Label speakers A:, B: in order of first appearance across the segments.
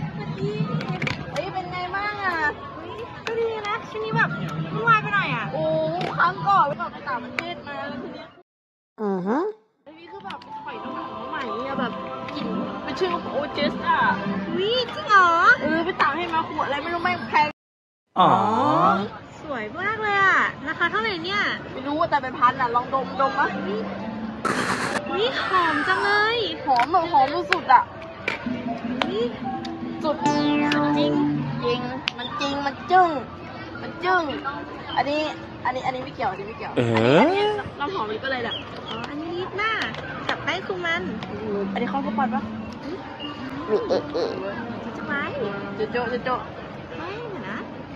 A: เฮ้ยเป็นไงบ้างอ่ะ
B: ก็ดีนะช่วงนี้แบบวุ่นวายไปหน่อยอ่ะ
A: โอ้ครั้งก่อนไปต่างประเทศมาแล้วทีเนี้ยอันนี้คือแบบปล่อยน้องใหม่อะแบบกลิ่นเป็นชื่อโอเจสอ่ะ
B: วิจริงเหรอ
A: ไปต่างให้มาขวดอะไรไม่รู้ไม่งแพง
C: อ๋อ
B: สวยมากเลยอ่ะราคาเท่าไหร่เนี่ย
A: ไม่รู้แต่เป็นพันอ่ะลองดมมั้ย
B: วิหอมจังเลย
A: หอมแบบหอมสุดๆอ่ะ
B: วิ
A: สุดจริงจริงมันจริงมันจึ้งมันจึ้งอันนี้ไม่เกี่ยวอันนี้ไม่เกี่ยวน้ำหอมลิปอะไรเนี่ย
B: อ๋ออันนี้ลิปหน้ากับแป้งคุมมัน
A: อันนี้เขาสปอนปะ
B: จะไว้
A: โจะ
B: ไม่เดี๋ยวนะ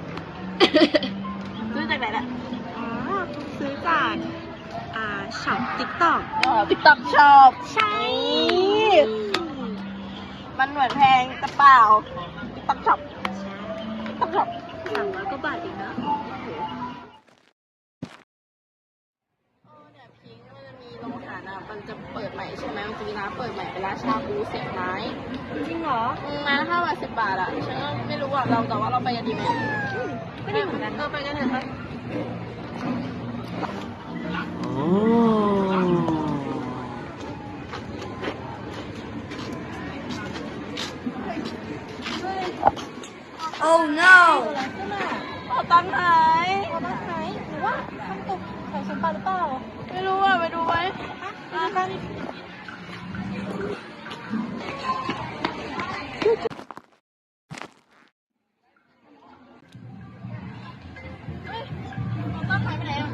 A: ซื้อจากไหนเนี่ย
B: อ๋อซื้อจากช็อปติ๊กต็อก
A: ติ๊กต็อกช็อป
B: ใช่
A: มันเหมือนแพงแต่เปล่าติ๊กต็อกช็อปติ๊กต็อกช็อป
B: 300 กว่าบาทเองนะ
A: เนี่ยพิงค์มันจะมีโรงอาหารอะมันจะเปิดใหม่ใช่ไหมมันจะมีร้านเปิดใหม่เป็นร้านชาบูเสียบไม้
B: จริงเหรอ
A: ไม้ละ5 บาท 10 บาทอะฉันก็ไม่รู้อะแต่ว่าเราไปกันดีไหม
B: ก็ดีเหมือนกัน
A: ไปกันเถอะครับ
C: โอ้
B: Oh no
A: เอาตังค์หาย
B: เอามาไหนหรือว่าทำตกใส่ฉันไปหรือเปล่า
A: ไม่รู้อะไปดูไหม
B: ไปดูกัน
A: ตังค์หายไปไหนอะ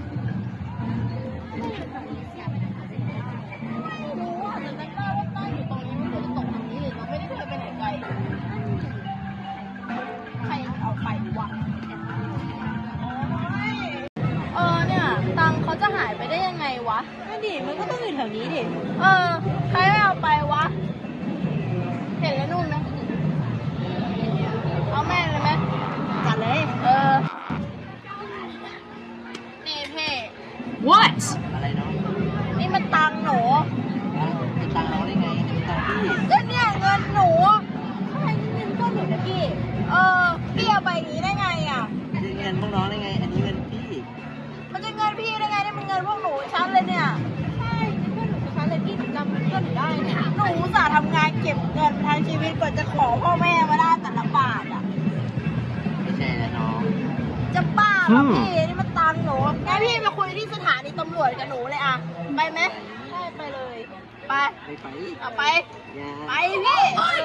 A: รู้อะแต่จำได้ว่าตั้งอยู่ตรงนี้มันควรจะตกตรงนี้เลยเราไม่ได้เคยไปไหนไกลใครเอาไปวะเนี่ยตังค์เขาจะหายไปได้ยังไงวะ
B: นั่นดิมันก็ต้องอยู่แถวนี้ดิ
A: ใครไม่เอาไปวะ เห็นแล้วนู่นนะเอาแม่งเลยไหม
B: จัดเลย
A: นี่เพ่
B: What
C: อะไรเนาะ
A: นี่มันตังค์หนู
C: เป็นตังค์น้องได้ไงนี่เป็นตังค์พี่
A: ก็เนี่ยเงินหนู
B: ทำไมเงินก้อนหนูนะพี่
A: พี่เอาไปอย่างนี้ได้ไงอ่ะ
C: คือเงินพวกน้องได้ไง อันนี้เงินพี่
A: มันจะเงินพี่ได้ไงนี่มันเงินพวกหนูฉันเลยเนี่ย
B: ใช่เพื่อนหนูกับฉันเลยพี่จำเพื่อนหนูได้เนี่ย
A: หนูอุตส่าห์ทำงานเก็บเงินทั้งชีวิตกว่าจะขอพ่อแม่มาได้แต่ละบาทอ่ะ
C: ไม่ใช่แล้วน้อง
A: จะบ้าเหรอพี่นี่มันตังค์หนูงั้นพี่มาคุยที่สถานีตำรวจกับหนูเลยอ่ะ ไปไหม
B: ใช่ไปเลย
A: ไป
C: ไม่ไป
A: เอาไป
C: อย่า
A: ไปพี่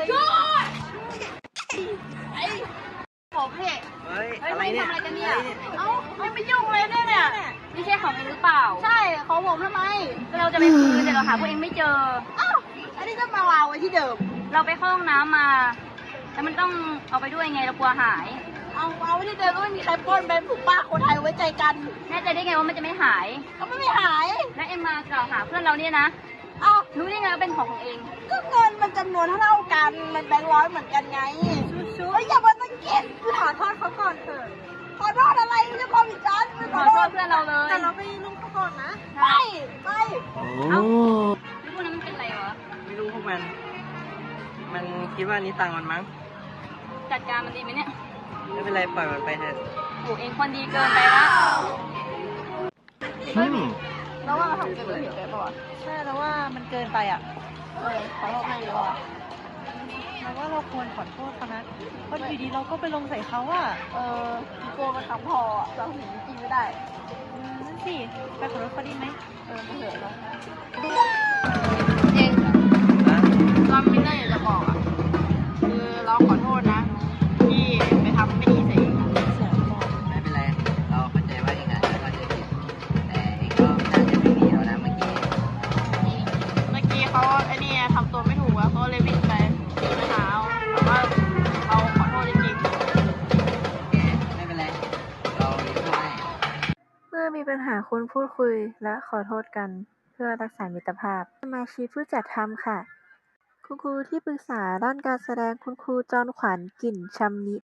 A: ไอ้ผมพี่
C: เฮ้ย
A: เฮ้ย
C: อะไร
A: ไม่
C: เนี่ย
A: ทำอะไรกันเนี่ย เอ้าไม่ไปยุ่งเลยเนี่ย
D: ไม่ใช่ของเองหรือเปล่า
A: ใช่ของผมทำไม
D: ก็เราจะไปคืนแต่เราหาพวกเองไม่เจอ
A: เอ้าอันนี้ก็มาวางไว้ที่เดิม
D: เราไปเข้าห้องน้ำมา แล้วมันต้องเอาไปด้วยไงเรากลัวหาย
A: เอาไว้ที่เดิมก็ไม่มีใครปล้นเป็นผู้ป้าคนไทยไว้ใจกัน
D: แน่ใจได้ไงว่ามันจะไม่หาย
A: ก็ไม่หาย
D: แล้วเอ็มมากล่าวหาเพื่อนเราเนี่ยนะ
A: เอ้า
D: รู้ได้ไงว่าเป็นของเอง
A: ก็เงินมันจำนวนเท่ากัน มันแบงค์ร้อยเหมือนกันไงชูๆอย่ามาตะเกียบ
B: ขอโทษเขาก่อนเถอะ
A: ขอโทษอะไรไม่ใช่ความผิดฉันไม่
D: ขอโทษเพื่อนเราเลย
B: แต่เราไปลุงเขาก่อนนะ
A: ไป
C: โอ้
D: แล้วพวกนั้นมันเป็นอะไรวะ
C: ไม่รู้พวกมัน มันคิดว่านี้ตังค์มันมั้ง
D: จัดการมันดีไหมเนี่ย
C: ไม่เป็นไรปล่อยมันไปเถอะ
D: โอ้เองคนดีเกินไปละ
A: แล้วว่าเราทำเกินผิดไปป่ะ
B: ใช่แล้วว่ามันเกินไปอ่ะ
A: ขอโทษให้ดีกว่า
B: เราว่าเราควรขอโทษเขานะเพราะอยู่ดีเราก็ไปลงใส่เขาอ่ะ
A: พี่โก้มันทำพอเราถึงจริงไม่ได้
B: นั่นสิไปขอโทษเขาดีไหม
A: มาเถอะเราเอง
C: นะ
A: เราไม่ได้อยากจะบอกอ่ะ คือเราขอโทษนะ ที่ไปทำไม่ดีใส่เอง
C: ไม่เป็นไร เราเข้าใจว่าเองอาจจะเข้าใจผิดแต่เองก็น่าจะไม่มีแล้วนะเมื่อกี้
A: เมื่อกี้เขาไอ้นี่ทำตัวไม่ถูกอะเขาเลยวิ่งไปหาแต่ว่าเราขอโทษจริง
C: ไม่เป็นไร เราช่วย
E: เมื่อมีปัญหาควรพูดคุยและขอโทษกันเพื่อรักษามิตรภาพสมาชิกผู้จัดทำค่ะ คุณครูที่ปรึกษาด้านการแสดงคุณครูจรขวัญ กลิ่นชำนิ